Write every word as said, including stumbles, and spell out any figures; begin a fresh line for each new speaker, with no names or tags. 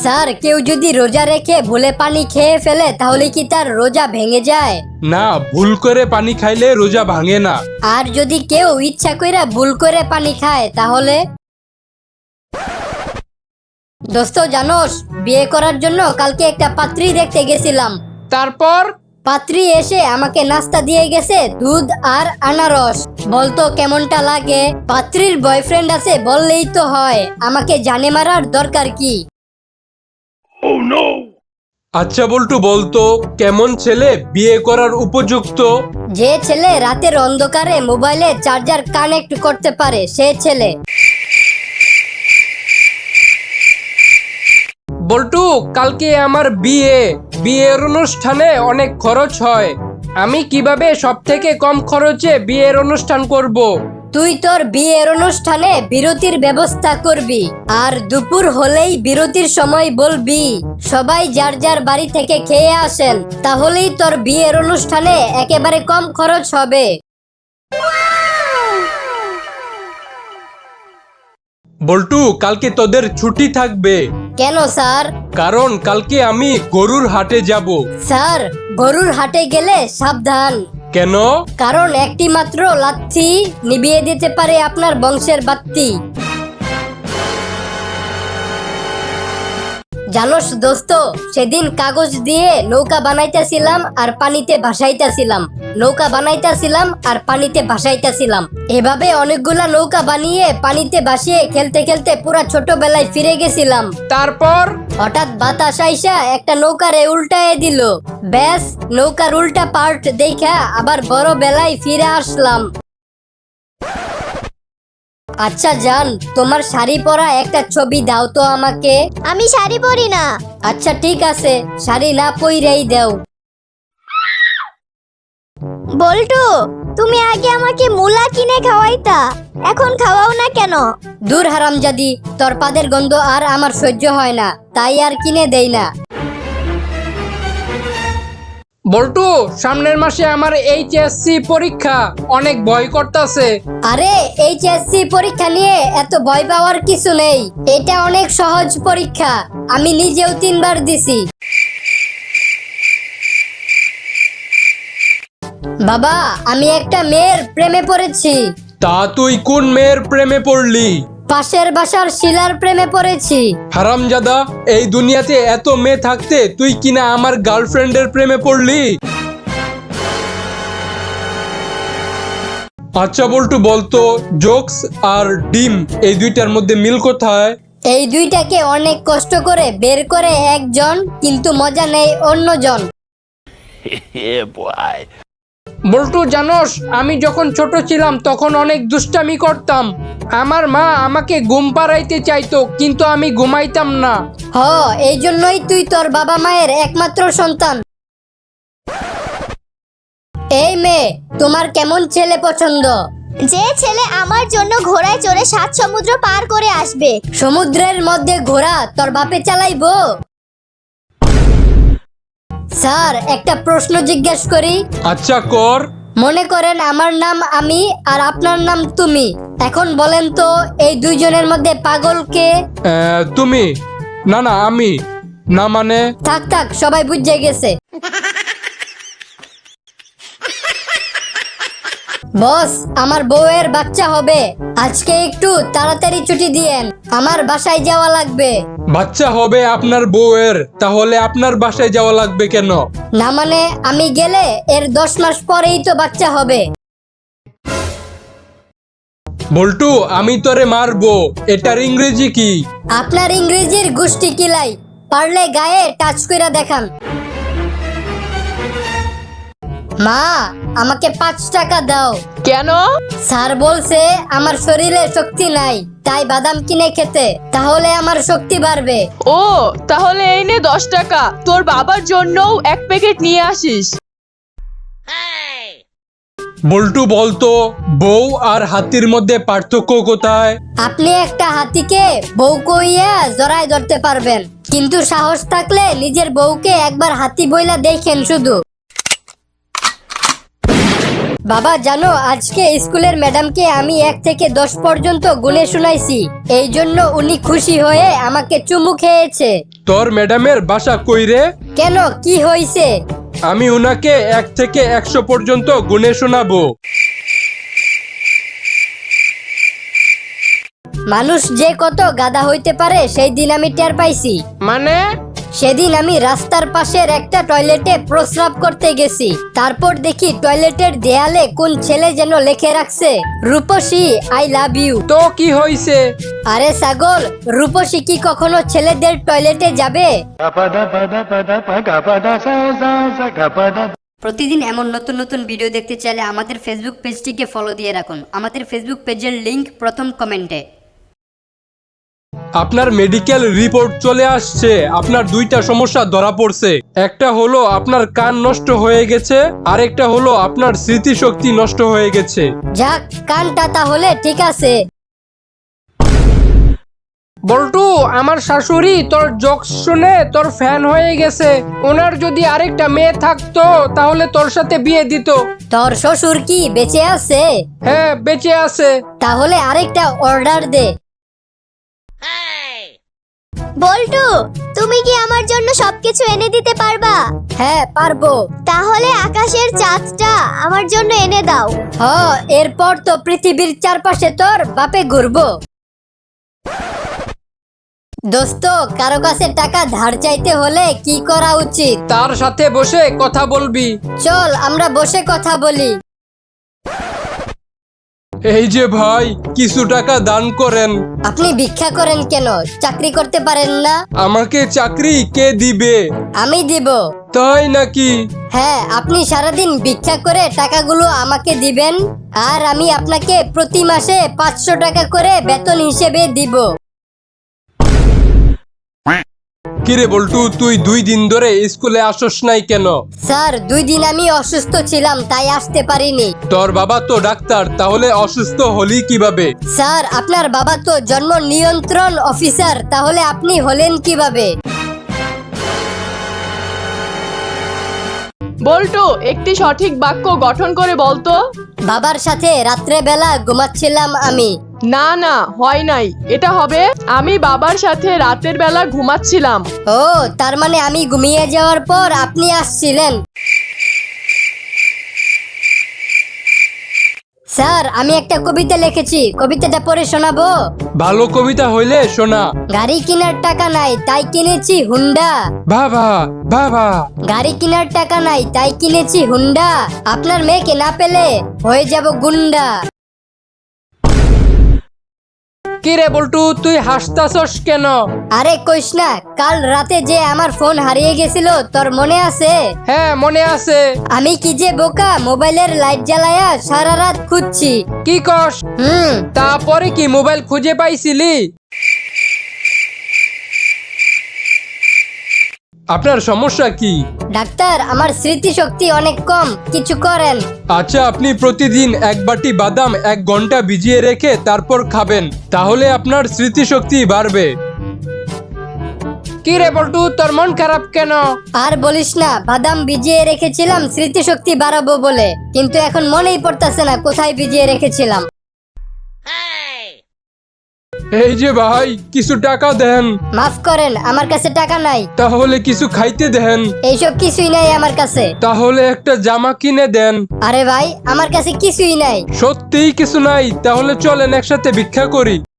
Sir, কেউ যদি রোজা রেখে ভুলে পানি খেয়ে ফেলে তাহলে কি তার রোজা ভেঙে যায়?
না, ভুল করে পানি খাইলে রোজা ভাঙে না।
আর যদি কেউ ইচ্ছা কইরা ভুল করে পানি খায় তাহলে? দোস্ত জানোস, বিয়ে করার জন্য কালকে একটা পাত্রী দেখতে গেছিলাম।
তারপর?
পাত্রী এসে আমাকে নাস্তা দিয়ে গেছে দুধ আর আনারস। বলতো কেমনটা লাগে? পাত্রীর বয়ফ্রেন্ড আছে বললেই তো হয়, আমাকে জানে মারার দরকার কি?
আচ্ছা বল্টু, বলতো কেমন ছেলে বিয়ে করার উপযুক্ত?
যে ছেলে রাতের অন্ধকারে মোবাইলে চার্জার কানেক্ট করতে পারে সে ছেলে।
বল্টু, কালকে আমার বিয়ে। বিয়ের অনুষ্ঠানে অনেক খরচ হয়। আমি কিভাবে সব থেকে কম খরচে বিয়ের অনুষ্ঠান করব?
তুই তোর বিয়ের অনুষ্ঠানে বিরতির ব্যবস্থা করবি, আর দুপুর হলেই বিরতির সময় বলবি সবাই যার যার বাড়ি থেকে খেয়ে আসেন, তাহলেই তোর বিয়ের অনুষ্ঠানে একেবারে কম খরচ হবে।
বল্টু, কালকে তোদের ছুটি থাকবে।
কেন স্যার?
কারণ কালকে আমি গরুর হাটে যাব।
স্যার, গরুর হাটে গেলে সাবধান।
কেন?
কারণ একটি মাত্র লাথি নিভিয়ে দিতে পারে আপনার বংশের বাত্তি। জানোস দোস্ত, সেদিন কাগজ দিয়ে নৌকা বানাইতেছিলাম আর পানিতে ভাসাইতেছিলাম, নৌকা বানাইতেছিলাম আর পানিতে ভাসাইতেছিলাম। এভাবে অনেকগুলা নৌকা বানিয়ে পানিতে ভাসিয়ে খেলতে খেলতে পুরা ছোটবেলায় ফিরে গেছিলাম।
তারপর?
হঠাৎ বাতাস আইসা একটা নৌকারে উল্টায় দিল। ব্যাস, নৌকার উল্টা পার্ট দেখা আবার বড় বেলায় ফিরে আসলাম। আচ্ছা জান, তোমার শাড়ি পরা একটা ছবি দাও তো আমাকে।
আমি শাড়ি পরি না।
আচ্ছা ঠিক আছে, শাড়ি না পইরাই দাও।
বল্টু, তুমি আগে আমাকে মুলা কিনে খাওয়াইতা, এখন খাওয়াও না কেন?
দূর হারামজাদি, তোর পাদের গন্ধ আর আমার সহ্য হয় না, তাই আর কিনে দেই না।
বল্টু, সামনের মাসে আমার এইচএসসি পরীক্ষা, অনেক ভয় করতেছে।
আরে এইচএসসি পরীক্ষা নিয়ে এত ভয় পাওয়ার কিছু নেই, এটা অনেক সহজ পরীক্ষা, আমি নিজেও তিনবার দিছি। বাবা, আমি একটা মেয়ের প্রেমে পড়েছি।
তা তুই কোন মেয়ের প্রেমে পড়লি?
পাশের বাসার শিলার প্রেমে পড়েছি।
হারামজাদা, এই দুনিয়াতে এত মেয়ে থাকতে তুই কিনা আমার গার্লফ্রেন্ডের প্রেমে পড়লি? আচ্ছা বল্টু, বলতো জোকস আর ডিম এই দুইটার মধ্যে মিল কোথায়?
এই দুইটাকে অনেক কষ্ট করে বের করে একজন, কিন্তু মজা নেই অন্যজন।
বল্টু জানোস, আমি যখন ছোট ছিলাম তখন অনেক দুষ্টামি করতাম। আমার মা আমাকে ঘুম পাড়াইতে চাইতো, কিন্তু আমি ঘুমাইতাম না।
হ, এই জন্যই তুই তোর বাবা মায়ের একমাত্র সন্তান। এই মেয়ে, তোমার কেমন ছেলে পছন্দ?
যে ছেলে আমার জন্য ঘোড়ায় চড়ে সাত সমুদ্র পার করে আসবে।
সমুদ্রের মধ্যে ঘোড়া তোর বাপে চালাইবো? স্যার, একটা প্রশ্ন জিজ্ঞেস করি?
আচ্ছা কর।
মনে করেন আমার নাম আমি আর আপনার নাম তুমি, এখন বলেন তো এই দুইজনের মধ্যে পাগল কে?
আহ, তুমি। না না, আমি। না মানে?
থাক থাক, সবাই বুঝে গেছে। বস, আমার বউয়ের বাচ্চা হবে, আজকে একটু তাড়াতাড়ি ছুটি দিয়েন, আমার বাসায় যাওয়া লাগবে।
বাচ্চা হবে আপনার বউয়ের? তাহলে আপনার বাসায় যাওয়া লাগবে কেন?
না মানে, আমি গেলে এর দশ মাস পরেই তো বাচ্চা হবে।
বল্টু, আমি তোরে মারবো, এটার ইংরেজি কি?
আপনার ইংরেজির গোষ্ঠী কিলাই, পারলে গায়ে টাচ কইরা দেখান। মা, আমাকে পাঁচ টাকা দাও।
কেন?
স্যার বলছে আমার শরীরে শক্তি নাই, তাই বাদাম কিনে খেতে, তাহলে আমার শক্তি বাড়বে।
ও, তাহলে এই নে দশ টাকা, তোর বাবার জন্যও এক প্যাকেট নিয়ে আসিস।
বল্টু, বলতো বউ আর হাতির মধ্যে পার্থক্য কোথায়?
আপনি একটা হাতিকে বউ কইয়া জড়ায় ধরতে পারবেন, কিন্তু সাহস থাকলে নিজের বউকে একবার হাতি বইলা দেখেন শুধু। বাবা জানো আজকে স্কুলের ম্যাডামকে আমি এক থেকে দশ পর্যন্ত গুনে শুনাইছি, এই জন্য উনি খুশি হয়ে আমাকে চুমু খেয়েছে।
তোর ম্যাডামের বাসা কই রে?
কেন, কি হয়েছে?
আমি উনাকে এক থেকে একশো পর্যন্ত গুনে শোনাবো।
মানুষ যে কত গাধা হইতে পারে সেই দিন আমি টের পাইছি।
মানে?
সেদিন আমি রাস্তার পাশের একটা টয়লেটে প্রস্রাব করতে গেছি, তারপর দেখি টয়লেটের দেয়ালে কোন ছেলে যেন লিখে রাখছে রূপসী আই লাভ ইউ।
তো কি হইছে?
আরে ছাগল, রূপসী কি কখনো ছেলেদের টয়লেটে যাবে? প্রতিদিন এমন নতুন নতুন ভিডিও দেখতে চাইলে আমাদের ফেসবুক পেজটিকে ফলো দিয়ে রাখুন। আমাদের ফেসবুক পেজের লিংক প্রথম কমেন্টে।
আপনার মেডিকেল রিপোর্ট চলে আসছে। আপনার দুইটা সমস্যা ধরা পড়ছে। একটা হলো আপনার কান নষ্ট হয়ে গেছে, আরেকটা হলো আপনার স্মৃতিশক্তি নষ্ট হয়ে গেছে।
যাক, কানটা তাহলে ঠিক আছে।
বল্টু, আমার শাশুড়ি তোর জোকস শুনে তোর ফ্যান হয়ে গেছে। ওনার যদি আরেকটা মেয়ে থাকতো তাহলে তোর সাথে বিয়ে দিত।
তোর শ্বশুর কি বেঁচে আছে?
হ্যাঁ, বেঁচে আছে।
তাহলে আরেকটা অর্ডার দে।
বল্টু, তুমি কি আমার জন্য সবকিছু এনে দিতে পারবা?
হ্যাঁ পারবো।
তাহলে আকাশের চাঁদটা আমার জন্য এনে দাও।
হ, এরপর তো পৃথিবীর চারপাশে তোর বাপে ঘুরবো। দোস্ত, কারো কাছে টাকা ধার চাইতে হলে কি করা উচিত?
তার সাথে বসে কথা বলবি।
চল আমরা বসে কথা বলি।
এই যে ভাই, কিছু টাকা দান করেন।
আপনি ভিক্ষা করেন কেন? চাকরি করতে পারেন না?
আমাকে চাকরি কে দিবে?
আমি দিব।
তাই নাকি?
হ্যাঁ, আপনি সারাদিন ভিক্ষা করে টাকাগুলো আমাকে দিবেন, আর আমি আপনাকে প্রতি মাসে পাঁচশো টাকা করে বেতন হিসেবে দিব।
কিরে বল্টু, তুই দুই দিন ধরে স্কুলে আসস নাই কেন?
স্যার, দুই দিন আমি অসুস্থ ছিলাম তাই আসতে পারিনি।
তোর বাবা তো ডাক্তার, তাহলে অসুস্থ হলি কিভাবে?
স্যার, আপনার বাবা তো জন্ম নিয়ন্ত্রণ অফিসার, তাহলে আপনি হলেন কিভাবে?
বল্টু, একটি সঠিক বাক্য গঠন করে বলতো।
বাবার সাথে রাত্রে বেলা ঘুমাচ্ছিলাম আমি।
না না, হয় নাই। এটা হবে আমি বাবার সাথে রাতের বেলা ঘুমাচ্ছিলাম।
ও, তার মানে আমি ঘুমিয়ে যাওয়ার পর আপনি আসছিলেন। স্যার, আমি একটা কবিতা লিখেছি, কবিতাটা পড়ে শোনাবো?
ভালো কবিতা হইলে শোনা।
গাড়ি কেনার টাকা নাই তাই কিনেছি হুন্ডা।
বাবা বাবা।
গাড়ি কেনার টাকা নাই তাই কিনেছি হুন্ডা। আপনার মেয়েকে না পেলে হয়ে যাব গুন্ডা।
কিরে বল্টু, তুই হাসতাছস কেন?
আরে কইস না, কাল রাতে যে আমার ফোন হারিয়ে গেছিল, তোর মনে আছে?
হ্যাঁ, মনে আছে।
আমি কি যে বোকা, মোবাইলের লাইট জ্বালায়া সারা রাত খুঁজছি।
কি কস?
হুম।
তারপরে কি মোবাইল খুঁজে পাইছিলি? আপনার সমস্যা কি?
ডাক্তার, আমার স্মৃতিশক্তি অনেক কম, কিছু করেন।
আচ্ছা, আপনি প্রতিদিন এক বাটি বাদাম এক ঘন্টা ভিজিয়ে রেখে তারপর খাবেন, তাহলে আপনার স্মৃতিশক্তি বাড়বে। কি রে বল্টু, তোর মন খারাপ কেন?
আর বলিস না, বাদাম ভিজিয়ে রেখেছিলাম স্মৃতিশক্তি বাড়াবো বলে, কিন্তু এখন মনেই পড়তাছে না কোথায় ভিজিয়ে রেখেছিলাম।
এই যে ভাই, কিছু টাকা দেন।
মাফ করেন, আমার কাছে টাকা নাই।
তাহলে কিছু খাইতে দেন।
এইসব কিছুই নাই আমার কাছে।
তাহলে একটা জামা কিনে দেন।
আরে ভাই, আমার কাছে কিছুই নাই।
সত্যিই কিছু নাই? তাহলে চলেন একসাথে ভিক্ষা করি।